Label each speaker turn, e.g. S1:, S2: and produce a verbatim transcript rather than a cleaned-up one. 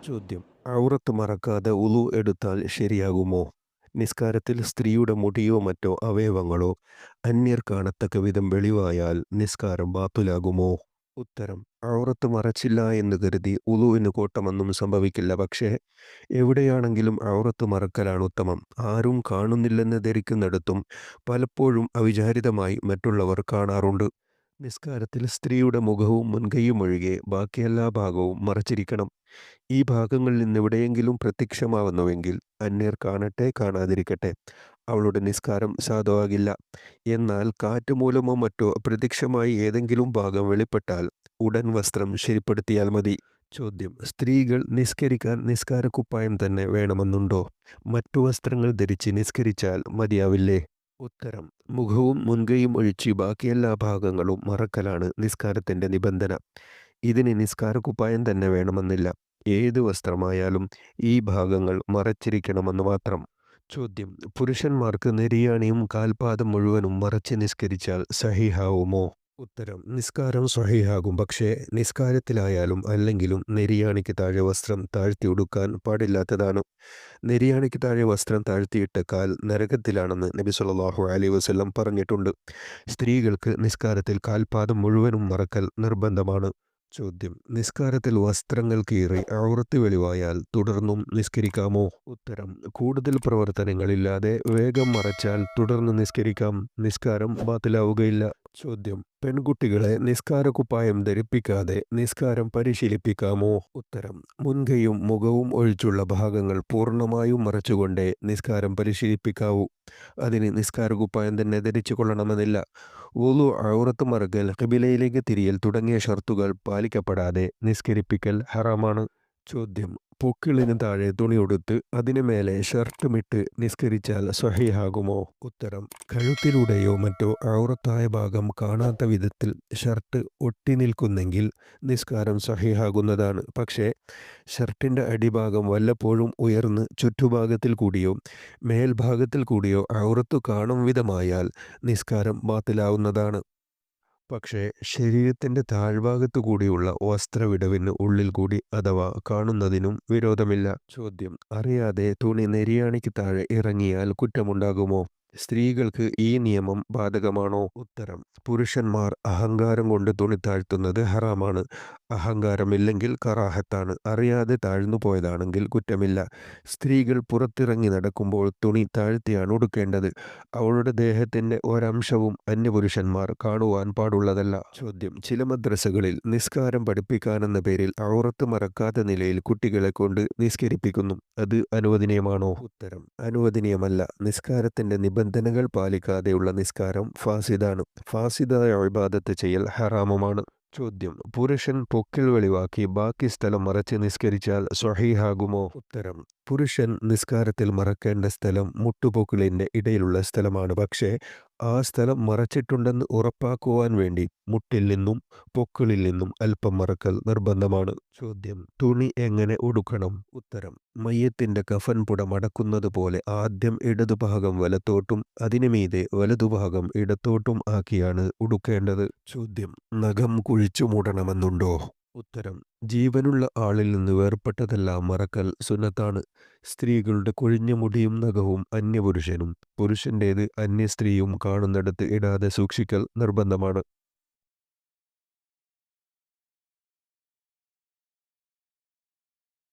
S1: ചോദ്യം: ഔറത്ത് മറക്കാതെ ഉളു എടുത്താൽ ശരിയാകുമോ? നിസ്കാരത്തിൽ സ്ത്രീയുടെ മുടിയോ മറ്റോ അവയവങ്ങളോ അന്യർ കാണത്തക്ക വിധം വെളിവായാൽ നിസ്കാരം ബാത്തുലാകുമോ? ഉത്തരം: ഔറത്ത് മറച്ചില്ല എന്ന് കരുതി ഉളുവിന് കോട്ടമൊന്നും സംഭവിക്കില്ല. പക്ഷേ എവിടെയാണെങ്കിലും ഔറത്ത് മറക്കലാണ് ഉത്തമം. ആരും കാണുന്നില്ലെന്ന് ധരിക്കുന്നിടത്തും പലപ്പോഴും അവിചാരിതമായി മറ്റുള്ളവർ കാണാറുണ്ട്. നിസ്കാരത്തിൽ സ്ത്രീയുടെ മുഖവും മുൻകൈയും ഒഴികെ ബാക്കി എല്ലാ ഭാഗവും മറച്ചിരിക്കണം. ഈ ഭാഗങ്ങളിൽ നിന്നെവിടെയെങ്കിലും പ്രത്യക്ഷമാവുന്നുവെങ്കിൽ അന്യർ കാണട്ടെ കാണാതിരിക്കട്ടെ, അവളുടെ നിസ്കാരം സാധുവാകില്ല. എന്നാൽ കാറ്റ് മൂലമോ മറ്റോ അപ്രത്യക്ഷമായി ഏതെങ്കിലും ഭാഗം വെളിപ്പെട്ടാൽ ഉടൻ വസ്ത്രം ശരിപ്പെടുത്തിയാൽ മതി. ചോദ്യം: സ്ത്രീകൾ നിസ്കരിക്കാൻ നിസ്കാരക്കുപ്പായം തന്നെ വേണമെന്നുണ്ടോ? മറ്റു വസ്ത്രങ്ങൾ ധരിച്ച് നിസ്കരിച്ചാൽ മതിയാവില്ലേ? ഉത്തരം: മുഖവും മുൻകൈയും ഒഴിച്ച് ബാക്കിയെല്ലാ ഭാഗങ്ങളും മറക്കലാണ് നിസ്കാരത്തിൻ്റെ നിബന്ധന. ഇതിന് നിസ്കാരക്കുപ്പായം തന്നെ വേണമെന്നില്ല. ഏത് വസ്ത്രമായാലും ഈ ഭാഗങ്ങൾ മറച്ചിരിക്കണമെന്ന് മാത്രം. ചോദ്യം: പുരുഷന്മാർക്ക് നെരിയാണിയും കാൽപാദം മുഴുവനും മറച്ച് നിസ്കരിച്ചാൽ സഹീഹാവുമോ? ഉത്തരം: നിസ്കാരം സ്വഹീഹാകും. പക്ഷേ നിസ്കാരത്തിലായാലും അല്ലെങ്കിലും നെരിയാണിക്ക് താഴെ വസ്ത്രം താഴ്ത്തി ഉടുക്കാൻ പാടില്ലാത്തതാണ്. നെരിയാണിക്ക് താഴെ വസ്ത്രം താഴ്ത്തിയിട്ട കാൽ നരകത്തിലാണെന്ന് നബി സല്ലല്ലാഹു അലൈഹി വസല്ലം പറഞ്ഞിട്ടുണ്ട്. സ്ത്രീകൾക്ക് നിസ്കാരത്തിൽ കാൽപാദം മുഴുവനും മറക്കൽ നിർബന്ധമാണ്. ചോദ്യം: നിസ്കാരത്തിൽ വസ്ത്രങ്ങൾ കീറി ഔറത്ത് വെളിവായാൽ തുടർന്നും നിസ്കരിക്കാമോ? ഉത്തരം: കൂടുതൽ പ്രവർത്തനങ്ങളില്ലാതെ വേഗം മറച്ചാൽ തുടർന്ന് നിസ്കരിക്കാം. നിസ്കാരം ബാത്തിലാവുകയില്ല. ചോദ്യം: പെൺകുട്ടികളെ നിസ്കാരക്കുപ്പായം ധരിപ്പിക്കാതെ നിസ്കാരം പരിശീലിപ്പിക്കാമോ? ഉത്തരം: മുൻകൈയും മുഖവും ഒഴിച്ചുള്ള ഭാഗങ്ങൾ പൂർണ്ണമായും മറച്ചുകൊണ്ടേ നിസ്കാരം പരിശീലിപ്പിക്കാവൂ. അതിന് നിസ്കാരക്കുപ്പായം തന്നെ ധരിച്ചു കൊള്ളണമെന്നില്ല. വുളു, ഔറത്ത് മറക്കൽ, ഖിബിലയിലേക്ക് തിരിയൽ തുടങ്ങിയ ഷർത്തുകൾ പാലിക്കപ്പെടാതെ നിസ്കരിപ്പിക്കൽ ഹറാമാണ്. ചോദ്യം: പൊക്കിളിന് താഴെ തുണിയുടുത്ത് അതിനു മേലെ ഷർട്ടുമിട്ട് നിസ്കരിച്ചാൽ സ്വഹീഹാകുമോ? ഉത്തരം: കഴുത്തിലൂടെയോ മറ്റോ ഔറത്തായ ഭാഗം കാണാത്ത വിധത്തിൽ ഷർട്ട് ഒട്ടി നിൽക്കുന്നെങ്കിൽ നിസ്കാരം സ്വഹീഹാകുന്നതാണ്. പക്ഷേ ഷർട്ടിൻ്റെ അടിഭാഗം വല്ലപ്പോഴും ഉയർന്ന് ചുറ്റുഭാഗത്തിൽ കൂടിയോ മേൽഭാഗത്തിൽ കൂടിയോ ഔറത്തു കാണും വിധമായാൽ നിസ്കാരം ബാത്തിലാവുന്നതാണ്. പക്ഷേ ശരീരത്തിൻ്റെ താഴ്ഭാഗത്തു കൂടിയുള്ള വസ്ത്രവിടവിന് ഉള്ളിൽ കൂടി അഥവാ കാണുന്നതിനും വിരോധമില്ല. ചോദ്യം: അറിയാതെ തുണി നെരിയാണിക്ക് താഴെ ഇറങ്ങിയാൽ കുറ്റമുണ്ടാകുമോ? സ്ത്രീകൾക്ക് ഈ നിയമം ബാധകമാണോ? ഉത്തരം: പുരുഷന്മാർ അഹങ്കാരം കൊണ്ട് തുണി താഴ്ത്തുന്നത് ഹറാമാണ്. അഹങ്കാരമില്ലെങ്കിൽ കറാഹത്താണ്. അറിയാതെ താഴ്ന്നു പോയതാണെങ്കിൽ കുറ്റമില്ല. സ്ത്രീകൾ പുറത്തിറങ്ങി നടക്കുമ്പോൾ തുണി താഴ്ത്തിയാണ് ഉടുക്കേണ്ടത്. അവളുടെ ദേഹത്തിൻ്റെ ഒരംശവും അന്യപുരുഷന്മാർ കാണുവാൻ പാടുള്ളതല്ല. ചോദ്യം: ചില മദ്രസകളിൽ നിസ്കാരം പഠിപ്പിക്കാനെന്ന പേരിൽ ഔറത്ത് മറക്കാത്ത നിലയിൽ കുട്ടികളെ കൊണ്ട് നിസ്കരിപ്പിക്കുന്നു. അത് അനുവദനീയമാണോ? ഉത്തരം: അനുവദനീയമല്ല. നിസ്കാരത്തിൻ്റെ നിബന്ധനകൾ പാലിക്കാതെയുള്ള നിസ്കാരം ഫാസിദാണ്. ഫാസിദായ ഇബാദത്ത് ചെയ്യൽ ഹറാമുമാണ്. ചോദ്യം: പുരുഷൻ പൊക്കിൾ വെളിവാക്കി ബാക്കി സ്ഥലം മറച്ച് നിസ്കരിച്ചാൽ സ്വഹീഹാകുമോ? ഉത്തരം: പുരുഷൻ നിസ്കാരത്തിൽ മറക്കേണ്ട സ്ഥലം മുട്ടുപൊക്കിളിൻ്റെ ഇടയിലുള്ള സ്ഥലമാണ്. പക്ഷേ ആ സ്ഥലം മറച്ചിട്ടുണ്ടെന്ന് ഉറപ്പാക്കുവാൻ വേണ്ടി മുട്ടിൽ നിന്നും പൊക്കിളിൽ നിന്നും അല്പം മറക്കൽ നിർബന്ധമാണ്. ചോദ്യം: തുണി എങ്ങനെ ഉടുക്കണം? ഉത്തരം: മയ്യത്തിൻ്റെ കഫൻ പുട മടക്കുന്നത് പോലെ ആദ്യം ഇടതുഭാഗം വലത്തോട്ടും അതിനു മീതെ വലതുഭാഗം ഇടത്തോട്ടും ആക്കിയാണ് ഉടുക്കേണ്ടത്. ചോദ്യം: നഖം കുഴിച്ചു മൂടണമെന്നുണ്ടോ? ഉത്തരം: ജീവനുള്ള ആളിൽ നിന്ന് വേർപെട്ടതെല്ലാം മറക്കൽ സുന്നത്താണ്. സ്ത്രീകളുടെ കൊഴിഞ്ഞ മുടിയും നഖവും അന്യപുരുഷനും പുരുഷൻ്റേത് അന്യ സ്ത്രീയും കാണുന്നിടത്ത് ഇടാതെ സൂക്ഷിക്കൽ നിർബന്ധമാണ്.